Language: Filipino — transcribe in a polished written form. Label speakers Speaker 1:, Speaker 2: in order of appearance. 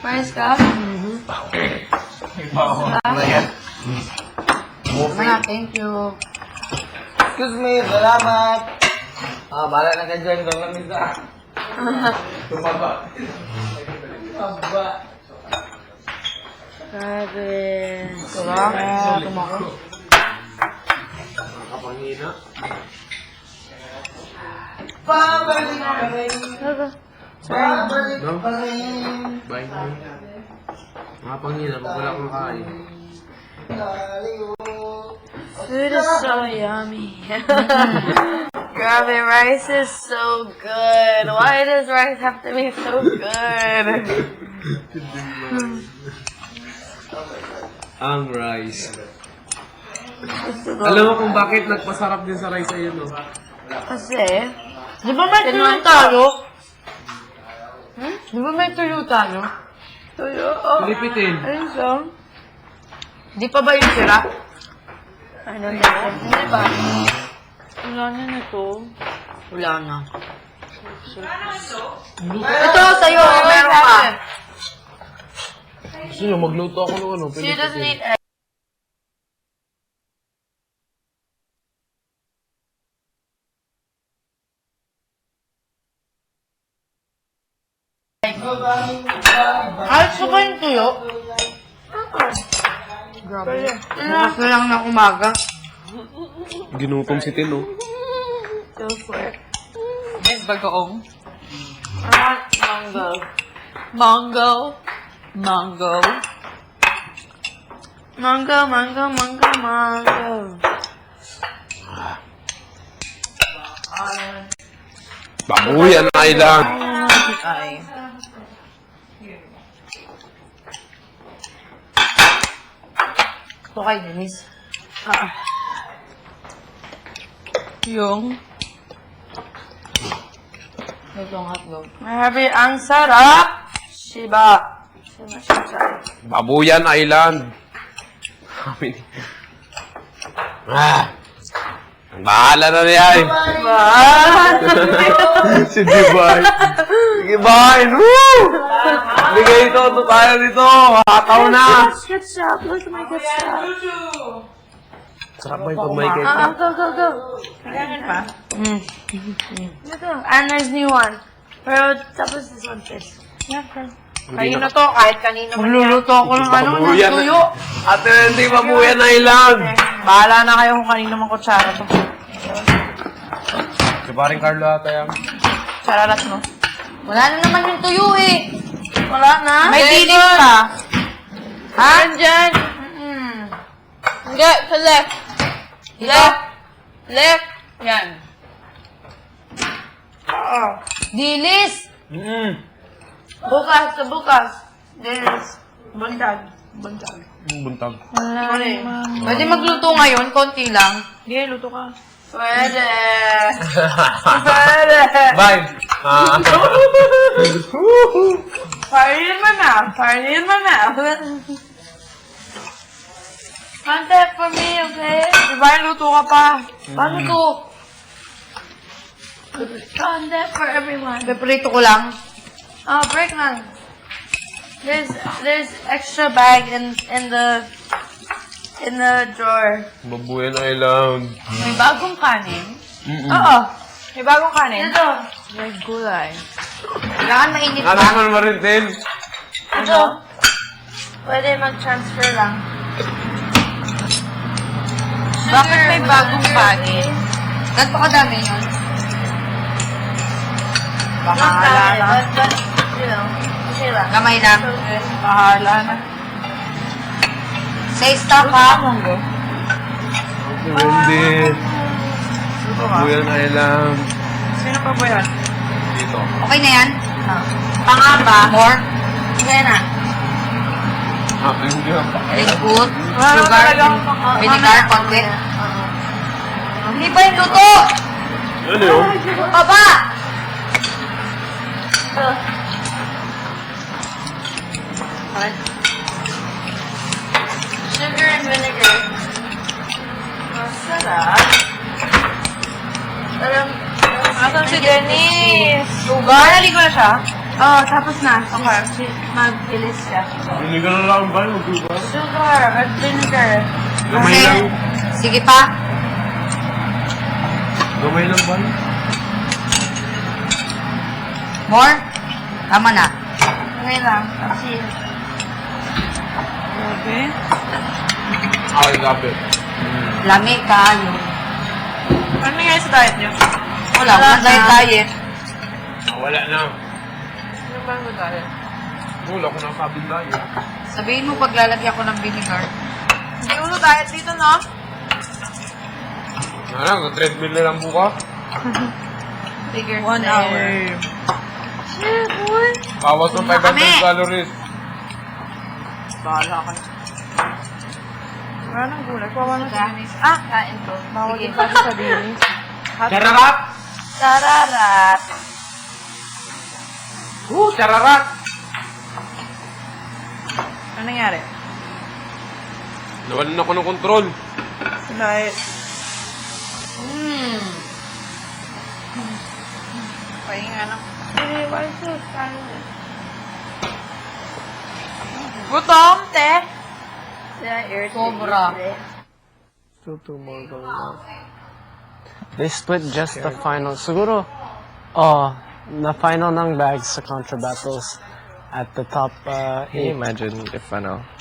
Speaker 1: Mais ka? Thank you.
Speaker 2: Excuse me, salamat. Bala na ka dyan. Lamig na. Tumaba. Tumaba.
Speaker 1: Grabe. Sarap. Tumako.
Speaker 2: Nakapangina.
Speaker 1: Pabalik pa rin.
Speaker 2: Pabalik pa rin. Bye. Nakapangina. Pag wala kang kain.
Speaker 1: Food is so yummy. Grabe, rice is so good. Why does rice have to be so good?
Speaker 2: Ang rice. Alam mo kung bakit nagpasarap din sa rice ayun, no?
Speaker 1: Kasi, di ba may tuyo tayo? Di ba may tuyo tayo? Tuyo? Oh.
Speaker 2: Pilipitin.
Speaker 1: Ayun siya. Di pa ba yung sira? Ano na? Hindi ba? Wala na na to. Wala na. Ito, sa'yo. Meron ka.
Speaker 2: Gusto nyo, magluto ako ng ano?
Speaker 1: She doesn't eat egg. Ayos ko ba yung tuyo? Grabe. Bukas na lang ng umaga.
Speaker 2: Ginutom si Tino.
Speaker 1: Go for it. Yes, bagoong. Mango. Mango. Mango. Mango, mango, mango, mango.
Speaker 2: Babuyan Island.
Speaker 1: Ay. Ito kay Denise. Yung ito ang hotdog. Grabe, ang sarap! Shiba.
Speaker 2: Babuyan Island. Bahala na niya eh. Si Divine. Sige, Vine. Woo! Bigay ito tayo dito. Hataw na.
Speaker 1: Ketchup. Look at my ketchup.
Speaker 2: Sarap ba yung pag may ketchup?
Speaker 1: Go. Kailangan pa? Ito. Anna's new one. Pero tapos this one first. Yeah, kayo na to, kahit kanino man. Magluluto ako ng ano, ng
Speaker 2: Babuyan.
Speaker 1: tuyo.
Speaker 2: Ate, hindi Babuyan Island.
Speaker 1: Bahala na kayo kung kanino man kutsara to.
Speaker 2: Si paring Carlo ata yan.
Speaker 1: Sararat mo. Wala na naman yung tuyo eh. Wala na. May dilis pa. Ha? Andyan. Hindi, sa left. Left. Left. Yan. Dilis. Bukas, sa bukas. Dilis. Buntag. Buntag.
Speaker 2: Buntag.
Speaker 1: Wala naman. Pwede magluto ngayon, konti lang. Hindi, luto ka. Pwede. Pwede.
Speaker 2: Bye.
Speaker 1: Fire in my mouth. Fire in my mouth. Contact for me, okay? Diba yung luto ka pa? Paano to? Contact for everyone. Peprito ko lang. Oh, break lang. There's extra bag in the drawer.
Speaker 2: Babuyan Island.
Speaker 1: May bagong kanin? Oo. May bagong kanin? Ito. May gulay. Kailangan mainit
Speaker 2: Ano
Speaker 1: pa.
Speaker 2: naman maritin?
Speaker 1: Ito. Pwede mag-transfer lang. Bakit may bagong kanin? Ganto kadami yun? Bahala na. Kamay lang. Bahala na. Say stop ha.
Speaker 2: Hindi. Babuyan Island.
Speaker 1: Sino pa ba yan?
Speaker 2: Dito.
Speaker 1: Okay na yan? Pangaba. More? Sige na.
Speaker 2: Hindi pa.
Speaker 1: Good. Sugar. Vinegar. Konti. Hindi pa yung luto.
Speaker 2: Ano yun?
Speaker 1: Baba! Sugar and vinegar. Masarap. Asan si Denise? Sugar? Naligo na siya? Oh, tapos na. Okay. Mag-ilis siya.
Speaker 2: Vinegar na lang ba? Mag-sugar?
Speaker 1: Sugar at vinegar.
Speaker 2: Gamay lang.
Speaker 1: Sige pa.
Speaker 2: Gamay lang ba?
Speaker 1: More? Tama na. Okay lang. Kasi... Okay.
Speaker 2: Okay, gabi.
Speaker 1: Lami kayo.
Speaker 3: Ano nangyari sa diet niyo?
Speaker 1: Wala diet.
Speaker 2: Wala na.
Speaker 3: Ano ba ang diet?
Speaker 2: Wala ko nang sabing tayo.
Speaker 1: Sabihin mo paglalagyan ko ng vinegar.
Speaker 3: Hindi ulo diet dito, no?
Speaker 2: Ano, treadmill na lang buka.
Speaker 1: Figure
Speaker 3: 1 hour.
Speaker 1: Shit, boy.
Speaker 2: Bawas ng 500 calories.
Speaker 3: Bahala ka. Wala nang gulay. Kawawa na sa dinis.
Speaker 1: Ah, kain ko.
Speaker 3: Bawal
Speaker 1: Sige.
Speaker 3: din kasi sa dinis.
Speaker 2: Chararat!
Speaker 1: Sararat.
Speaker 2: Chararat!
Speaker 3: Ano nangyari?
Speaker 2: Nawalan ako ng kontrol.
Speaker 3: Diet. Pahinga lang. Gutom, te.
Speaker 1: Sobra.
Speaker 4: Still 2 more going on. They split just the final. Siguro, na final ng bags sa Contra Battles at the top 8.
Speaker 5: Can you imagine if